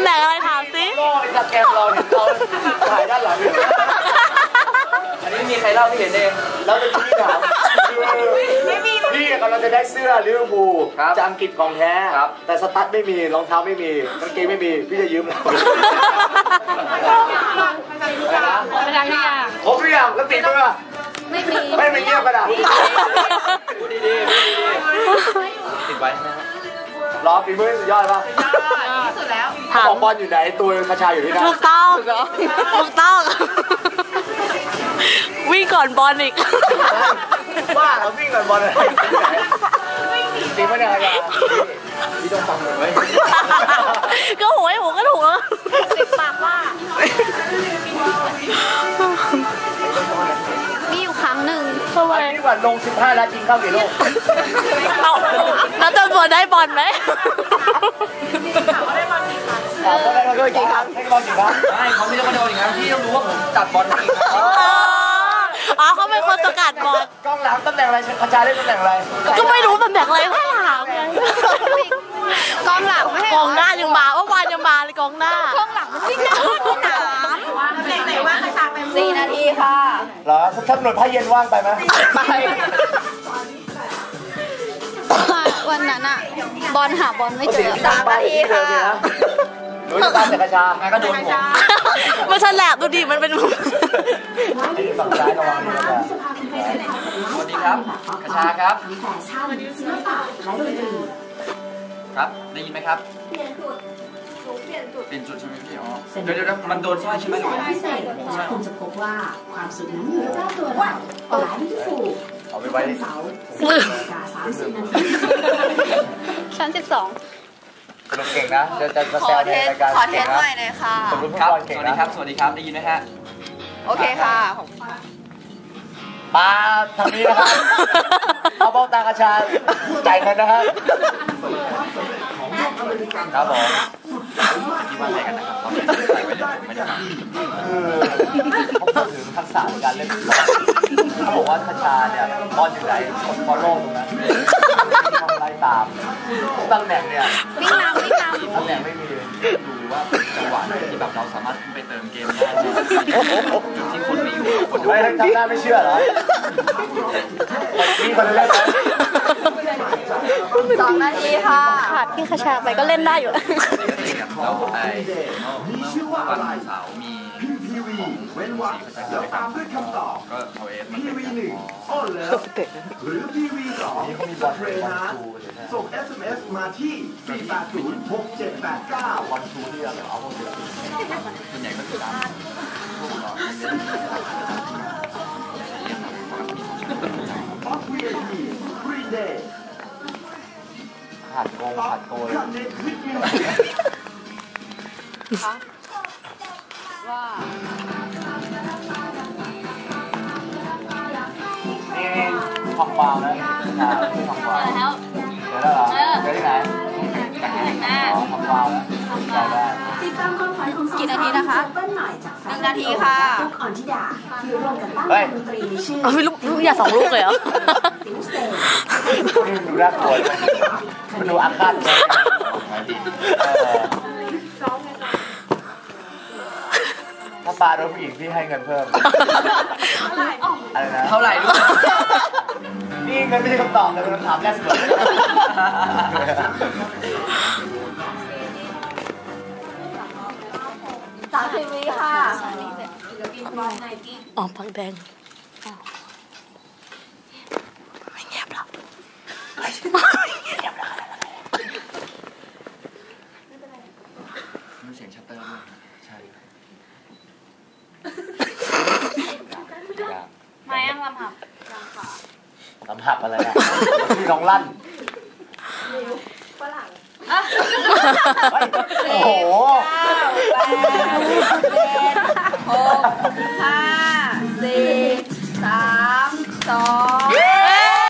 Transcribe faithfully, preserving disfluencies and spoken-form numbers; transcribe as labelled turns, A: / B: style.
A: ำแหน่งอะไรถามสิ
B: โล่จากแกมเราเห็นเราถ่ายด้านหลังอันนี้มีใครเล่าที่เห็นเองแล้วเป็นที่ถามพี่กำลังจะได้เสื้อลิเวอร์พูลจากอังกฤษของแท้แต่สตั๊ดไม่มีรองเท้าไม่มีกางเกงไม่มีพี่จะยืมเรา
A: ไปทางนี้อ่ะ
B: ครบหรือยังแล้วติดมือ
A: ไม่มี
B: ไม่มีเงียบกระดาษพูดดีๆติดไว้ใช่ไหมครับรอฝีมือสุดยอดป่ะ
C: ที่สุดแล้ว
B: ของบอลอยู่ไหนตัวคาชาอยู่ที่นั่น
A: ถูกต้องถูกต้องวิ่งก่อนบอลอีก
B: ว่าเราวิ่งก่อนบอลอะไรจริงปะเนี่ยยาพี่ต้องฟังเลย
A: ก็โหยผมก็ถูกแล้วติดปากว่ามีอยู่ครั้งหนึ่ง
B: ทำไมนี่ว่าลงสิบห้าแล้วจริงเข้ากี่ลูก
A: เอาแล้วจะบอลได้บอลไหม
B: อ๋อก็ได้กี่ครั้งให้บอลกี่ครั้งไม่เขาไม่ได้มาโดนอย่างนั้นพี่ต้องรู้ว่าผมจัดบอลกี่ครั้ง
A: อ๋อเขาเป็นคนสกัดบอล
B: กองหลังตำแหน่งอะไรคาชาเล่นตำแหน่งอะไร
A: ก็ไม่รู้ตำแหน่งอะไรก็ถามไงกองหลังไม่ให้กองหน้ายังมาว่าวานยังมาเลยกองหน้ากองหลังมันวิ่งหน้าสนาม
C: ไหนว่างคาชาไป
A: สี่นาทีค่ะ
B: เหรอถ้าหน่วยผ้าเย็นว่างไปไหมไป
A: วันนั้นอะบอลหาบอลไม่เจอสามนาทีค่ะ
B: หนูจะตามแต่คาชาไงก็โดนผม
A: มันฉลาดดูดิมันเป็น
B: ฝั่งซ้ายระวังดีนะครับสวัสดีครับคาชาครับครับได้ยินไหมครับเปลี่ยนจุดเปลี่ยนจุดเปลี่ยนจุดใช่ไหมพี่อ๋อเดี๋ยวเดี๋ยวมันโดนสร้อยใช่ไหม
D: พิเศษคุณจะพบว่าความสุขนั้นอยู่รอบตัวเราหลายที่สุด
B: เอาไปไว้
D: เสาร์สิบนาฬิกาสามสิบนาที
A: ชั้นสิบสอง
B: สนุกเก่งนะจะจะแซวในรายการ
A: ขอเทสหน่อยเลยค่ะ
B: ครับสวัสดีครับสวัสดีครับได้ยินไหมฮะ
A: โอเคค่ะ
B: มาทางนี้นะครับเอาเบ้าตากระชาจ่ายเงินนะครับครับผมที่ว่าอะไรกันนะครับเขาใส่ไว้เลยไม่ได้คือเขาพูดถึงทักษะในการเล่นเขาบอกว่าคาชาเนี่ยบอลอยู่ไหนคนฟอลโล่ตรงนั้นทำไล่ตามตำแหน่งเนี่ย
A: วิ่งนำวิ่งน
B: ำตำแหน่งไม่มีดูว่าจังหวะที่แบบเราสามารถไปเติมเกมได้จุดที่คนไม่อยู่คนไม่ทำหน้าไม่เชื่อเหรอมีคนเล่นไหม
A: สองนาทีค่ะขาดพี่คาชาไปก็เล่นได้อยู่แล้ว
B: ไอ้วันเสาร์มีเว้นวรรคแล้วตามด้วยคำตอบก็เอาเอสมาเป็นหนึ่งอ้อนแล้วหรือพีวีสองสเตรนาส่ง เอส เอ็ม เอส มาที่สี่แปดศูนย์ หกเจ็ดแปดเก้าวันทูที่เราเอาเดือนส่วนใหญ่ก็คือตามออฟวีไอพีฟรีเดย์ผัดโกงผัดโกย
A: ว่า
B: นี่ทองบาวนะนะที่ทองบาวแล้วเดี๋ยวแล้วเหรอเดี๋ยวที่ไหนอ๋อทองบาวนะได้ได้
A: กี่นาทีนะคะหนึ่งนาทีค่ะ
B: เฮ้ย
A: เอาไม่ลูกลูกอย่าสองลูกเลยเหรอ
B: ดูน่ากลัวมันดูอาฆาตเลยถ้าปลาโดนผู้หญิงพี่ให้เงินเพิ่มอะไรนะเท่าไหร่ด้วยนี่เงินไม่ใช่คำตอบแต่เป็นคำถามแรกสุด
A: สามสิบวิค่ะอ๋อพักแดงไม่เงียบหรอกไม่เงียบหรอก
B: มีเสียงชัตเตอร์ด้วยใช่
A: มายังลำหับ
B: ลำหับอะไรอ่ะพี่น้องลั่นฝรั่งโอ้โห
A: แปดเจ็ดหกห้าสี่สามสอง